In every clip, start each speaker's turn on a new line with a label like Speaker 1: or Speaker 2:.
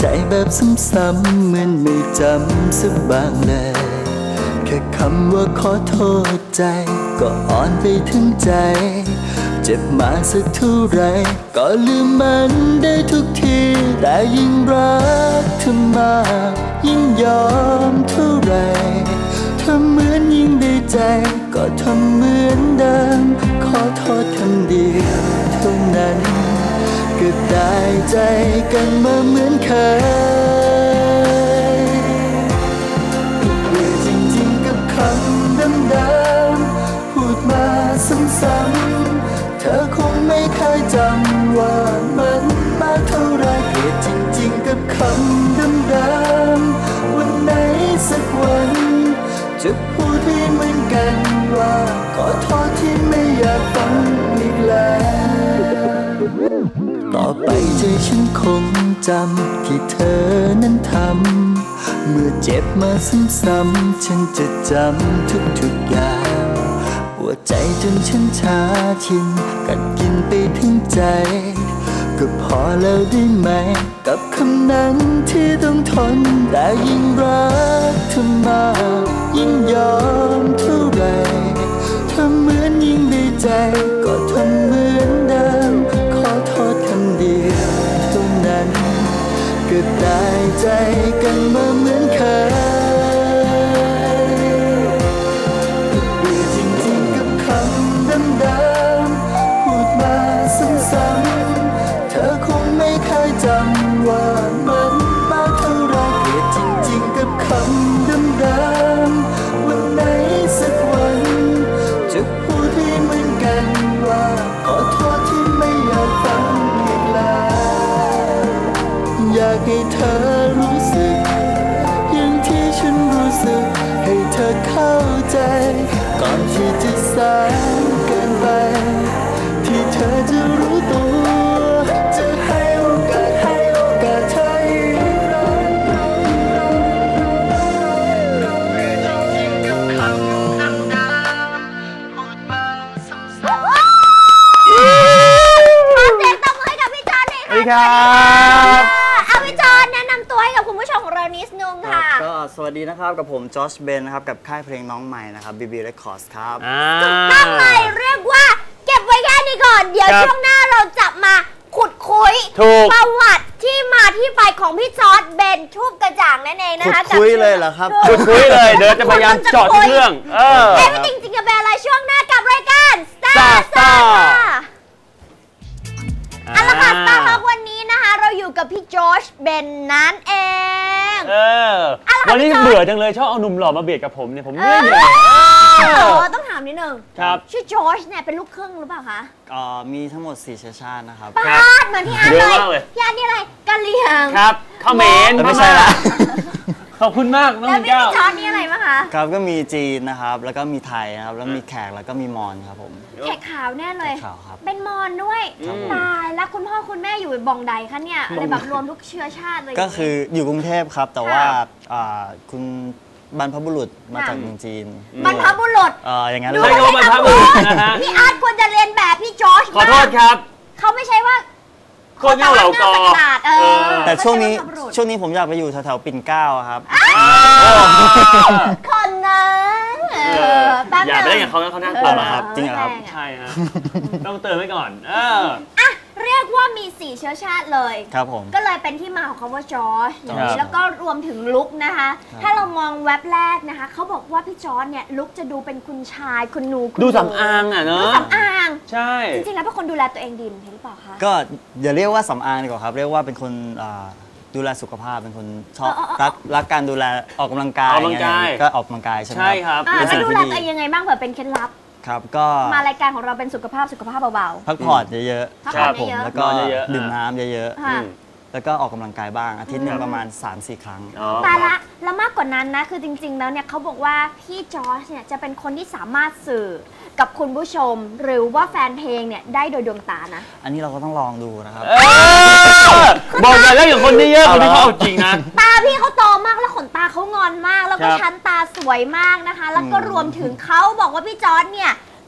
Speaker 1: แบบซ้ำๆเหมือนไม่จำสักบ้างเลยแค่คำว่าขอโทษใจก็อ่อนไปถึงใจเจ็บมาสักเท่าไรก็ลืมมันได้ทุกทีแต่ยิ่งรักเธอมากยิ่งยอมเท่าไรเธอเหมือนยิ่งได้ใจก็ทำเหมือนเดิมขอโทษคำเดียวเท่านั้นก็ได้ใจกันมาเหมือนเคยเบื่อจริงๆกับคำเดิมๆพูดมาซ้ำๆเธอคงไม่เคยจำว่ามันมากเท่าไรเกลียดจริงๆกับคำเดิมๆวันไหนสักวันจะพูดให้เหมือนกันว่าขอโทษที่ไม่อยากฟังอีกแล้วต่อไปใจฉันคงจำที่เธอนั้นทำเมื่อเจ็บมาซ้ำๆฉันจะจำทุกๆอย่างปวดใจจนฉันชาชินกัดกินไปถึงใจก็พอแล้วได้ไหมกับคำนั้นที่ต้องทนแต่ยิ่งรักเธอมากยิ่งยอมเท่าไรเธอเหมือนยิ่งได้ใจก็ทำเหมือนเดิมขอโทษคำเดียวเท่านั้นก็ได้ใจกันมาเหมือนเคยเบื่อจริงๆกับคำเดิมๆพูดมาซ้ำๆเธอคงไม่เคยจำว่ามันมากเท่าไรเกลียดจริงๆกับคำเดิมๆวันไหนสักวันจะพูดให้เหมือนกันว่าขอโทษที่ไม่อยากฟังอีกแล้วอยากให้เธอรู้สึกอย่างที่ฉันรู้สึกให้เธอเข้าใจก่อนที่จะสายเกินไปที่เธอจะรู้ตัวจะให้โอกาสเธออีกครั้งจริงๆกับคำเดิมๆพูดมาซ้ำๆ
Speaker 2: ขอเสียงตบมือให้กับพี่จอนหน่อยค่ะ
Speaker 3: สวัสดีครับ
Speaker 2: เอาพี่จอนแนะนำตัวให้กับคุณผู้ชมของเรานิดนึงค่ะ
Speaker 1: ก็สวัสดีนะครับกับผมจอชเบนนะครับกับค่ายเพลงน้องใหม่นะครับ BB Records ครับ
Speaker 2: ถูกต้องเลยเรียกว่าเก็บไว้แค่นี้ก่อนเดี๋ยวช่วงหน้าเราจะมาขุดคุยประวัติที่มาที่ไปของพี่จอร์จเบนทูบกระจ่างนั่นเองนะคะ
Speaker 1: ขุดคุยเลยเหรอครับ
Speaker 3: ขุดคุยเลยเดี๋ยวจะพยายามเจาะทุกเรื่อง
Speaker 2: ไม่จริงๆจะเป็นอะไรช่วงหน้ากับรายการ Star เอาละค่ะ Star Talk วันนี้นะคะเราอยู่กับพี่จอร์จเบนนั่นเอง
Speaker 3: วันนี้เบื่อจังเลยชอบเอาหนุ่มหล่อมาเบียดกับผมเนี่ยผมเมื่อยเลย
Speaker 2: ต้องถามนิดนึงชื่อจอร์จเนี่ยเป็นลูกครึ่งหรือเปล่าคะ
Speaker 1: มีทั้งหมด4เชื้อชาตินะครับ
Speaker 2: ป้าดเหมือนพี่อาร์ตเลยพี่อาร์ตนี่อะไรกะเหรี่ยง
Speaker 3: ครับข้าวเหม็น
Speaker 1: ไม่ใช่ละ
Speaker 3: ขอบคุณมากน้อง
Speaker 2: แก้วแล้วพี่จอร์จนี่อะไรมั้งคะ
Speaker 1: ครับก็มีจีนนะครับแล้วก็มีไทยนะครับแล้วมีแขกแล้วก็มีมอญครับผม
Speaker 2: แขกขาวแน่เลย
Speaker 1: ขาวครับ
Speaker 2: เป็นมอญด้วยตายแล้วคุณพ่อคุณแม่อยู่บองใดคะเนี่ยอะไรแบบรวมทุกเชื้อชาติเลย
Speaker 1: ก็คืออยู่กรุงเทพครับแต่ว่าคุณบรรพบุรุษมาจากเมืองจีน
Speaker 2: บรรพบุรุษ
Speaker 1: อย่างนั้น
Speaker 3: เลยบรรพบุรุษนะฮะ
Speaker 2: พี่อาร์ตควรจะเรียนแบบพี่จอร์จ
Speaker 3: ขอโทษครับ
Speaker 2: เขาไม่ใช่ว่า
Speaker 3: โคตรเง่าเหล่ากอ
Speaker 1: แต่ช่วงนี้ผมอยากไปอยู่แถวๆปิ่นเกล้าครับ
Speaker 2: คนนั้น
Speaker 3: อย่าไปเล่นกับเขานะเขาน่ากลัว
Speaker 1: ครับจริงเหรอครับ
Speaker 3: ใช่ฮะต้องเตือนไว้ก่อน
Speaker 2: เรียกว่ามี4เชื้อชาติเลย
Speaker 1: ครับผม
Speaker 2: ก็เลยเป็นที่มาของคำว่าจอร์จอย่างนี้แล้วก็รวมถึงลุคนะคะถ้าเรามองแว็บแรกนะคะเขาบอกว่าพี่จอร์จเนี่ยลุคจะดูเป็นคุณชายคุณหนู
Speaker 3: ดูสำอางอ่ะเนอะ
Speaker 2: ดูสำอาง
Speaker 3: ใช่
Speaker 2: จริงๆแล้วเป็นคนดูแลตัวเองดีหรือเปล่าคะ
Speaker 1: ก็อย่าเรียกว่าสำอางดีกว่าครับเรียกว่าเป็นคนดูแลสุขภาพเป็นคนชอบรักการดูแลออกกำลังกายก็ออกกำลังกายใช่ไหม
Speaker 3: ครับ
Speaker 2: แล้วดูแลตัวเองยังไงบ้างเผื่อเป็นเคล็ดลับ
Speaker 1: ครับก็
Speaker 2: มารายการของเราเป็นสุขภาพเบา
Speaker 1: ๆพักผ่อนเยอะ
Speaker 2: ๆครับผม
Speaker 1: แล้วก็ดื่มน้ำเยอะๆแล้วก็ออกกำลังกายบ้างอาทิตย์นึงประมาณ 3-4 ครั้ง
Speaker 2: แต่ละแล้วมากกว่านั้นนะคือจริงๆแล้วเนี่ยเขาบอกว่าพี่จอร์จเนี่ยจะเป็นคนที่สามารถสื่อกับคุณผู้ชมหรือว่าแฟนเพลงเนี่ยได้โดยดวงตานะ
Speaker 1: อันนี้เราก็ต้องลองดูนะครับ
Speaker 3: บอกเลยแล้วอย่างคนนี้เยอะคนที่เขาเอาจริงนะ
Speaker 2: ตาพี่เขาโตมากแล้วขนตาเขางอนมากแล้วก็ชั้นตาสวยมากนะคะแล้วก็รวมถึงเขาบอกว่าพี่จอร์จเนี่ยเ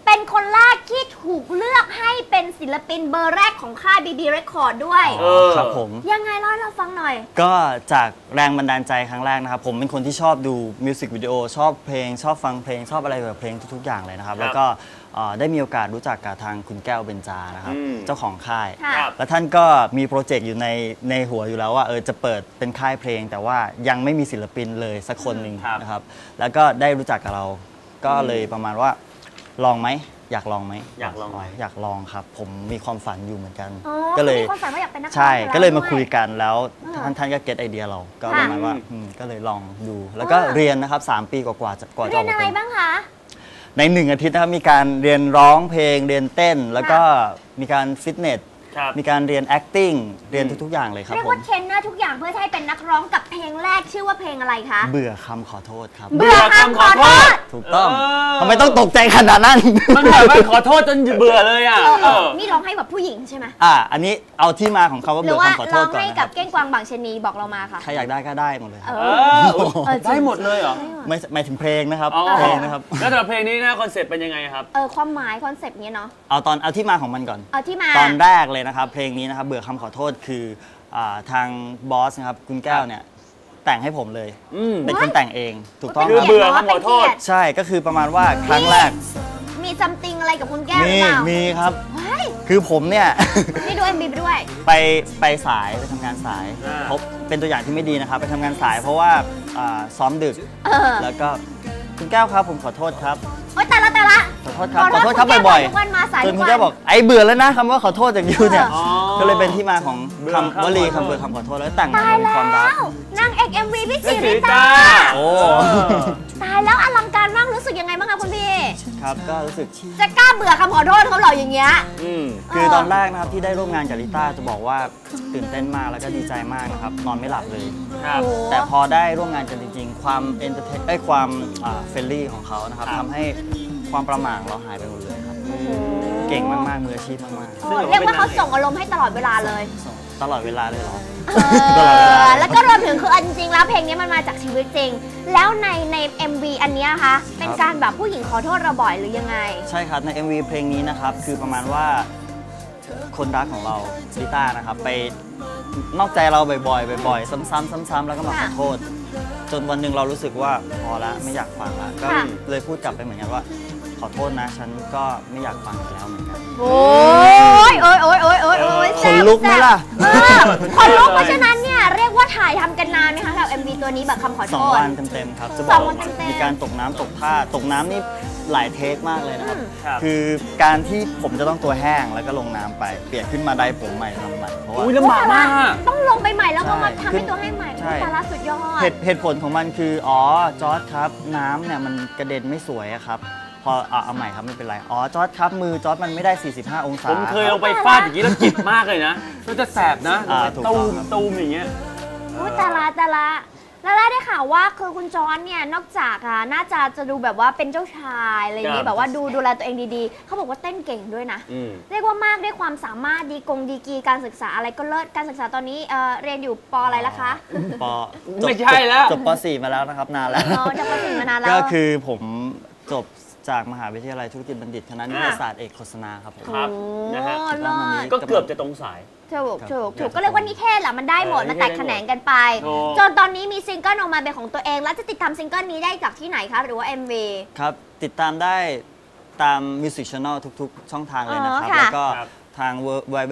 Speaker 2: เป็นคนแรกที่ถูกเลือกให้เป็นศิลปินเบอร์แรกของค่าย BB Record ด้วย
Speaker 4: ครับผม
Speaker 2: ยังไงเล่าให้เราฟังหน่อย
Speaker 4: ก็จากแรงบันดาลใจครั้งแรกนะครับผมเป็นคนที่ชอบดูมิวสิกวิดีโอชอบเพลงชอบฟังเพลงชอบอะไรแบบเพลงทุกๆอย่างเลยนะครับแล้วก็ได้มีโอกาสรู้จักกับทางคุณแก้วเบญจานะครับเจ้าของค่ายแล้วท่านก็มีโปรเจกต์อยู่ในหัวอยู่แล้วว่าจะเปิดเป็นค่ายเพลงแต่ว่ายังไม่มีศิลปินเลยสักคนหนึ่งนะครับแล้วก็ได้รู้จักกับเราก็เลยประมาณว่าลองไหมอยากลองไหมอยากลองครับผมมีความฝันอยู่เหมือนกันก็เลย
Speaker 2: มีความฝันว่าอยากเป็นนักร้อง
Speaker 4: ใช่ก็เลยมาคุยกันแล้วท่านก็เก็ตไอเดียเราก็ประมาณว่าก็เลยลองดูแล้วก็เรียนนะครับ3 ปีกว่าจะ
Speaker 2: เรียนอะไรบ้างคะ
Speaker 4: ใน1 อาทิตย์นะครับมีการเรียนร้องเพลงเรียนเต้นแล้วก็มีการฟิตเนสมีการเรียน acting เรียนทุกๆอย่างเลยครับ
Speaker 2: เรียกว่าเทรนเนอร์ทุกอย่างเพื่อให้เป็นนักร้องกับเพลงแรกชื่อว่าเพลงอะไรคะ
Speaker 4: เบื่อคำขอโทษครับ
Speaker 2: เบื่อคำขอโทษ
Speaker 4: ถูกต้องทำไมต้องตกใจขนาดนั้น
Speaker 3: มันแบบว่าขอโทษจนเบื่อเลยอ่ะ
Speaker 2: นี่ร้องให้แบบผู้หญิงใช่ไหม
Speaker 4: อันนี้เอาที่มาของคำว่าเบื่อคำขอโทษก่อน
Speaker 2: หรือว่าร้องให้กับเก้งกวางบางชนีบอกเรามาค่ะ
Speaker 4: ใครอยากได้ก็ได้หมดเลย
Speaker 3: ได้หมดเลยเหรอ
Speaker 4: ไม่หมายถึงเพลงนะครับเพลงนะครับ
Speaker 3: แล้วสำหรับเพลงนี้นะคอนเซ็ปต์เป็นยังไงครับ
Speaker 2: ความหมายคอนเซ็ปต์เนี้ยเนาะ
Speaker 4: เอาที่มาของมันก่อน
Speaker 2: เอาที่มา
Speaker 4: ตอนแรกเลยนะครับเพลงนี้นะครับเบื่อคำขอโทษคือทางบอสนะครับคุณแก้วเนี่ยแต่งให้ผมเลยเป็นคนแต่งเองถูกต้อง
Speaker 3: คือเบื่อคำขอโทษ
Speaker 4: ใช่ก็คือประมาณว่าครั้งแรก
Speaker 2: มีซัมติงอะไรกับคุณแก้วหรือเปล่า
Speaker 4: มีครับคือผมเนี่ย
Speaker 2: นี่ดู MV ไปด้วย
Speaker 4: ไปสายไปทำงานสายพบเป็นตัวอย่างที่ไม่ดีนะครับไปทำงานสายเพราะว่าซ้อมดึกแล้วก็คุณแก้วครับผมขอโทษครับ
Speaker 2: โอ๊ยแต่ละ
Speaker 4: ขอโทษครับบ่อยๆจนคุณแก้วบอกไอ้เบื่อแล้วนะคำว่าขอโทษจากยูเนี่ยก็เลยเป็นที่มาของคำวลีคำเบื่อคำขอโทษแล้วแต่งมาเป็นความรัก
Speaker 2: นางเอก MV พี่ศรีริตา
Speaker 4: โอ้
Speaker 2: ตายแล้วอลังการมากรู้สึกยังไงบ้างคะคุณพี่
Speaker 4: ครับก็รู้สึก
Speaker 2: จะกล้าเบื่อคำขอโทษเขาเหรออย่างเงี้ย
Speaker 4: คือตอนแรกนะครับที่ได้ร่วมงานกับลิต้าจะบอกว่าตื่นเต้นมากแล้วก็ดีใจมากนะครับนอนไม่หลับเลยแต่พอได้ร่วมงานกันจริงๆความเอนเตอร์เทนความเฟรนลี่ของเขานะครับทำให้ความประหม่าเราหายไปหมดเลยครับเก่งมากๆมืออาชีพมาก
Speaker 2: ๆเรียกว่าเขาส่งอารมณ์ให้ตลอดเวลาเลย
Speaker 4: ตลอดเวลาเลยเหรอ
Speaker 2: แล้วก็รวมถึงคือจริงๆแล้วเพลงนี้มันมาจากชีวิตจริงแล้วใน MV อันนี้คะเป็นการแบบผู้หญิงขอโทษเราบ่อยหรือยังไง
Speaker 4: ใช่ครับใน MV เพลงนี้นะครับคือประมาณว่าคนรักของเราลิต้านะครับไปนอกใจเราบ่อยๆซ้ำๆแล้วก็มาขอโทษจนวันหนึ่งเรารู้สึกว่าพอแล้วไม่อยากฟังแล้วก็เลยพูดกลับไปเหมือนกันว่าขอโทษนะฉันก็ไม่อยากฟังแล้วเหมือนกัน
Speaker 2: โอ้ย
Speaker 4: คนลุกไหมล่ะ
Speaker 2: คนลุกเพราะฉะนั้นเนี่ยเรียกว่าถ่ายทำกันนานไหมคะกับ MV ตัวนี้แบบคำขอโทษ
Speaker 4: 2 วันเต็มๆครับจะบอกมีการตกน้ำตกท่าตกน้ำนี่หลายเทคมากเลยนะครับคือการที่ผมจะต้องตัวแห้งแล้วก็ลงน้ำไปเปลี่ยนขึ้นมาได้ผมใหม่ทำใหม่เพราะว่า
Speaker 3: ลำบากมาก
Speaker 2: ต้องลงไปใหม่แล้วก็มาทำให้ตัวให้ใหม่สาระสุดยอด
Speaker 4: เหตุผลของมันคือจอร์จครับน้ำเนี่ยมันกระเด็นไม่สวยครับพอเอาใหม่ครับไม่เป็นไรจอร์จครับมือจอร์จมันไม่ได้45 องศา
Speaker 3: ผมเคยลงไปฟาดอย่างนี้แล้วจิบมากเลยนะก็จะแสบนะตูมอย่างเงี้ย
Speaker 2: แต่ละแล้วได้ข่าวว่าคือคุณจอร์จเนี่ยนอกจากน่าจะดูแบบว่าเป็นเจ้าชายอะไรอย่างนี้แบบว่าดูแลตัวเองดีๆเขาบอกว่าเต้นเก่งด้วยนะเรียกว่ามากด้วยความสามารถดีกีการศึกษาอะไรก็เลิศการศึกษาตอนนี้เรียนอยู่ป.อะไรล่ะคะ
Speaker 4: ป.
Speaker 3: ไม่ใช่แล้ว
Speaker 4: จบป.4 มาแล้วนะครับนานแล้ว
Speaker 2: จบป.4 มานานแล้ว
Speaker 4: ก็คือผมจบจากมหาวิทยาลัยธุรกิจบัณฑิตคณะนิเทศศาสตร์เอกโฆษณาครับผม
Speaker 3: ครับนะฮะก็เกือบจะตรงสาย
Speaker 2: ถูกก็เรียกว่านิเทศแหละมันได้หมดมันแตกแขนงกันไปจนตอนนี้มีซิงเกิลออกมาเป็นของตัวเองแล้วจะติดตามซิงเกิลนี้ได้จากที่ไหนคะหรือว่า MV
Speaker 4: ครับติดตามได้ตาม Music Channel ทุกๆช่องทางเลยนะครับแล้วก็ทาง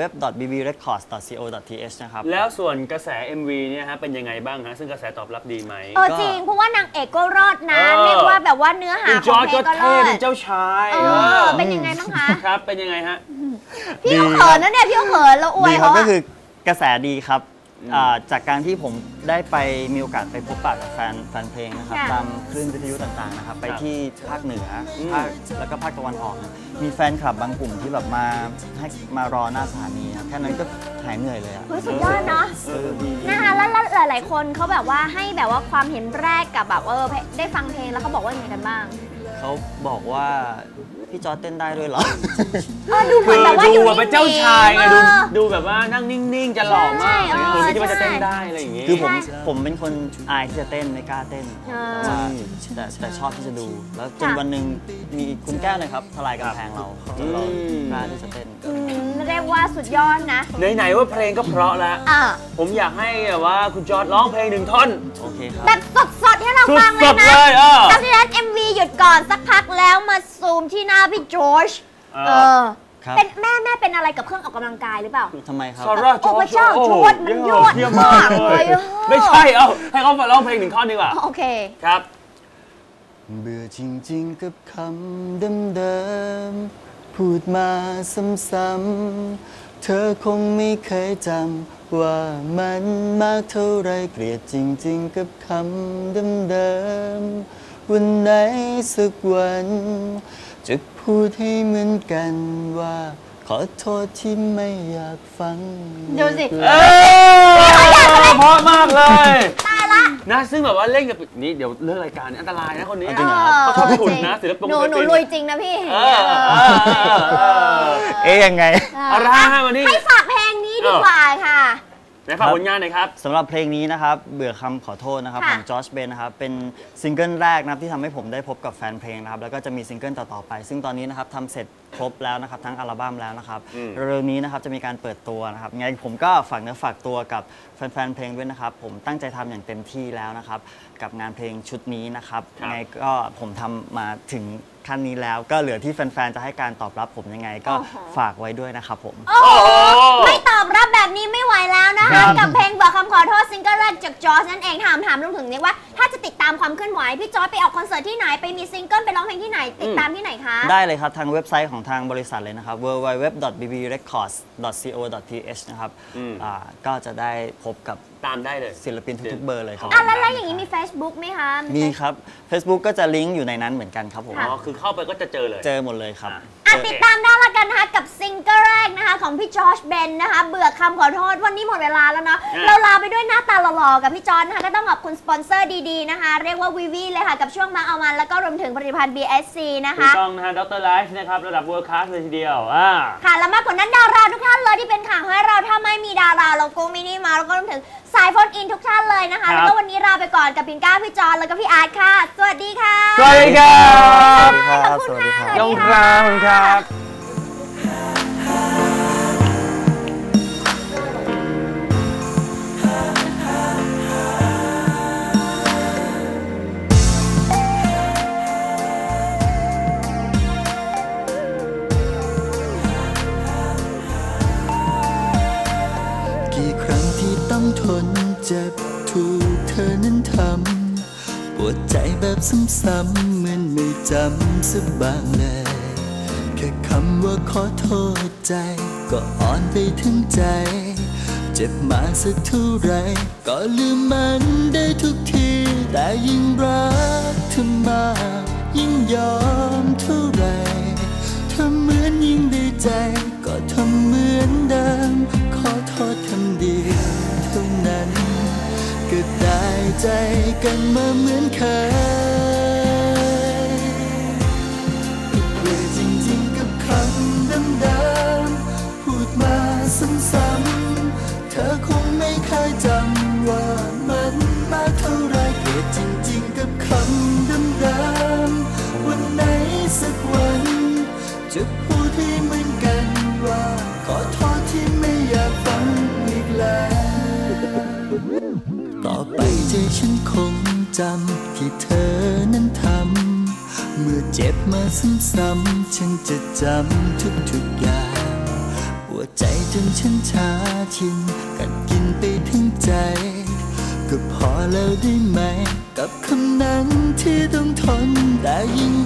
Speaker 4: www.bbrecords.co.th นะครับ
Speaker 3: แล้วส่วนกระแส MV เนี่ยฮะเป็นยังไงบ้างฮะซึ่งกระแสตอบรับดีไหม
Speaker 2: จริงเพราะว่านางเอกก็รอดนะเรียกว่าแบบว่าเนื้อหาของเพลงก็รอด
Speaker 3: เป็นเจ้าชาย
Speaker 2: เป็นยังไงบ้างคะ
Speaker 3: ครับเป็นยังไงฮะ
Speaker 2: พี่เขินนะเนี่ยพี่เขินเราอวย
Speaker 4: เขาก็คือกระแสดีครับจากการที่ผมได้ไปมีโอกาสไปพบปะกับแฟนเพลงนะครับตามคลื่นวิทยุต่างๆนะครับไปที่ภาคเหนือแล้วก็ภาคตะวันออกมีแฟนคลับบางกลุ่มที่แบบมารอหน้าสถานีแค่นั้นก็หายเหนื่อยเลยอ่ะ
Speaker 2: สุดยอดเนาะนะคะแล้วหลายๆคนเขาแบบว่าให้แบบว่าความเห็นแรกกับแบบได้ฟังเพลงแล้วเขาบอกว่ายังไงกันบ้าง
Speaker 4: เขาบอกว่าพี่จอร์จเต้นได้ด้วยเหรอ
Speaker 2: ดูเหมือนแบบว่า
Speaker 3: ดู
Speaker 2: อยู่
Speaker 3: แบบเป็นเจ้าชายไง
Speaker 2: เออ
Speaker 3: ดูแบบว่านั่งนิ่งๆจะหล่อมาก
Speaker 2: ใช่
Speaker 3: ไม่คิดว่าจะเต้นได้อะไรอย่างงี้
Speaker 4: คือผมเป็นคนอายที่จะเต้นไม่กล้าเต้น
Speaker 2: อ่า
Speaker 4: แต่ว่าแต่ชอบที่จะดู แล้วจนวันหนึ่งมีคุณแก้วนะครับทลายกำแพงเราจนเรากล้าที่จะเต้น
Speaker 2: เรียกว่าสุดยอดนะ
Speaker 3: ไหนๆว่าเพลงก็เพราะแล้ว
Speaker 2: อ่ะ
Speaker 3: ผมอยากให้แบบว่าคุณจอร์จร้องเพลง1 ท่อน
Speaker 4: โอเคครับ
Speaker 2: แบบสดๆให้เราฟังเล
Speaker 3: ส
Speaker 2: ย
Speaker 3: ด
Speaker 2: นะ
Speaker 3: ๆเลย
Speaker 2: เพราะฉะนั้น MV หยุดก่อนสักพักแล้วมาซูมที่หน้าพี่จอร์จ
Speaker 3: เออ
Speaker 4: ครับ
Speaker 2: เป็นแม่เป็นอะไรกับเครื่องออกกำลังกายหรือเปล่า
Speaker 4: ทำไมครับ
Speaker 3: ซาร่าจ
Speaker 2: โอ้
Speaker 3: อ
Speaker 2: พ
Speaker 3: ร์
Speaker 2: ระเจ้า
Speaker 3: โอ้
Speaker 2: จ
Speaker 3: โห
Speaker 2: อร์จมันยอด
Speaker 3: เยี่ยมมาก
Speaker 2: เล
Speaker 3: เลย
Speaker 2: ย
Speaker 3: ไม่ใช่ให้เขาร้องเพลง1 ท่อนดีกว่า
Speaker 2: โอเค
Speaker 3: ครับ
Speaker 1: เบื่อจริงๆกับคำเดิมๆพูดมาซ้ำๆเธอคงไม่เคยจำว่ามันมากเท่าไรเกลียดจริงๆกับคำเดิมๆวันไหนสักวันจะพูดให้เหมือนกันว่าขอโทษที่ไม่อยากฟัง
Speaker 2: ดูสิ
Speaker 3: เพราะมากเลย
Speaker 2: ตายละ
Speaker 3: นะซึ่งแบบว่าเล่นกับนี่เดี๋ยวเรื่องรายการนี้อันตรายนะคนนี้
Speaker 4: จริงเหรอครับ
Speaker 3: เขาชอบฉุนนะศิลปิน
Speaker 2: หนูลุยจริงนะพี่
Speaker 4: ยังไง
Speaker 3: เอาละฮะวันนี้
Speaker 2: ให้ฝากเพลงนี้ดีกว่าค่ะ
Speaker 3: ไหนฝากผลงานหน่อยครับ
Speaker 4: สำหรับเพลงนี้นะครับเบื่อคำขอโทษนะครับ
Speaker 2: ค่ะ
Speaker 4: ของจอร์จเบนนะครับเป็นซิงเกิลแรกนะครับที่ทำให้ผมได้พบกับแฟนเพลงนะครับแล้วก็จะมีซิงเกิลต่อๆไป ซึ่งตอนนี้นะครับทำเสร็จครบแล้วนะครับทั้งอัลบั้มแล้วนะครับเร็วๆนี้นะครับจะมีการเปิดตัวนะครับไงผมก็ฝากเนื้อฝากตัวกับแฟนๆเพลงด้วยนะครับผมตั้งใจทำอย่างเต็มที่แล้วนะครับกับงานเพลงชุดนี้นะครับไงก็ผมทำมาถึงขั้นนี้แล้วก็เหลือที่แฟนๆจะให้การตอบรับผมยังไงก็ฝากไว้ด้วยนะครับผม
Speaker 2: โอ้โหไม่ตอบรับแบบนี้ไม่ไหวแล้วนะคะกับเพลงบอกคำขอโทษซิงเกิลแรกจากจอร์จนั่นเองถามลุงถึงนี่ว่าถ้าจะติดตามความเคลื่อนไหวพี่จอร์จไปออกคอนเสิร์ตที่ไหนไปมีซิงเกิลไปร้องเพลงที่ไหนติดตามที่ไหนคะ
Speaker 4: ได้เลยครับทางเว็บไซต์ของทางบริษัทเลยนะครับ www.bbrecords.co.th นะครับก็จะได้พบกับ
Speaker 3: ตามได้เลย
Speaker 4: ศิลปินทุกๆเบอร์เลยครับ
Speaker 2: แล้วอย่างนี้มี Facebook ไหมคะ
Speaker 4: มีครับ Facebook ก็จะลิงก์อยู่ในนั้นเหมือนกันครับผม
Speaker 3: อ๋อคือเข้าไปก็จะเจอเลย
Speaker 4: เจอหมดเลยครับ
Speaker 2: ติดตามได้ละกันนะคะกับซิงเกิลแรกนะคะของพี่จอร์จเบนนะคะเบื่อคำขอโทษวันนี้หมดเวลาแล้วเนาะเราลาไปด้วยหน้าตาหล่อๆกับพี่จอร์จนะคะก็ต้องขอบคุณสปอนเซอร์ดีๆนะคะเรียกว่าวีวีเลยค่ะกับช่วงมาเอามันแล้วก็รวมถึงผลิตภัณฑ์ BSC นะ
Speaker 3: ถูก
Speaker 2: คะ
Speaker 3: ต้องนะฮะดรไลฟ์นะครับระดับ World Class เลยทีเดียว
Speaker 2: ค่ะและมากกว่านั้นดาราทุกท่านเลยที่เป็นข่าวให้เราถ้าไม่มีดาราเราก็ไม่นี่มาแล้วก็รวมถึงสายโฟนอินทุกท่านเลยนะคะแล้วก็วันนี้ลาไปก่อนกับพิงก้าพี่จอร์จแล้วก็พี่อาร์ตค่ะสวัสดีค่ะ
Speaker 3: สวัสดีครับ
Speaker 2: ขอบคุณค่ะ
Speaker 3: ยงครับครับ
Speaker 1: กี่ครั้งที่ต้องทนเจ็บถูกเธอนั้นทำปวดใจแบบซ้ำๆเหมือนไม่จำสักบ้างเลยแค่คำว่าขอโทษใจก็อ่อนไปถึงใจเจ็บมาสักเท่าไรก็ลืมมันได้ทุกทีแต่ยิ่งรักเธอมากยิ่งยอมเท่าไรเธอเหมือนยิ่งได้ใจก็ทำเหมือนเดิมขอโทษคำเดียวเท่านั้นก็ได้ใจกันมาเหมือนเคยเบื่อจริงๆกับคำเดิมๆพูดมาซ้ำๆเธอคงไม่เคยจำว่ามันมากเท่าไรเกลียดจริงๆกับคำเดิมๆวันไหนสักวันจะพูดให้เหมือนกันว่าขอโทษที่ไม่อยากฟังอีกแล้วต่อไปใจฉันคงจำที่เธอนั้นทำเมื่อเจ็บมาซ้ำๆฉันจะจำทุกๆอย่างปวดใจจนฉันชาชินกัดกินไปถึงใจก็พอแล้วได้ไหมกับคำนั้นที่ต้องทนแต่ยิ่ง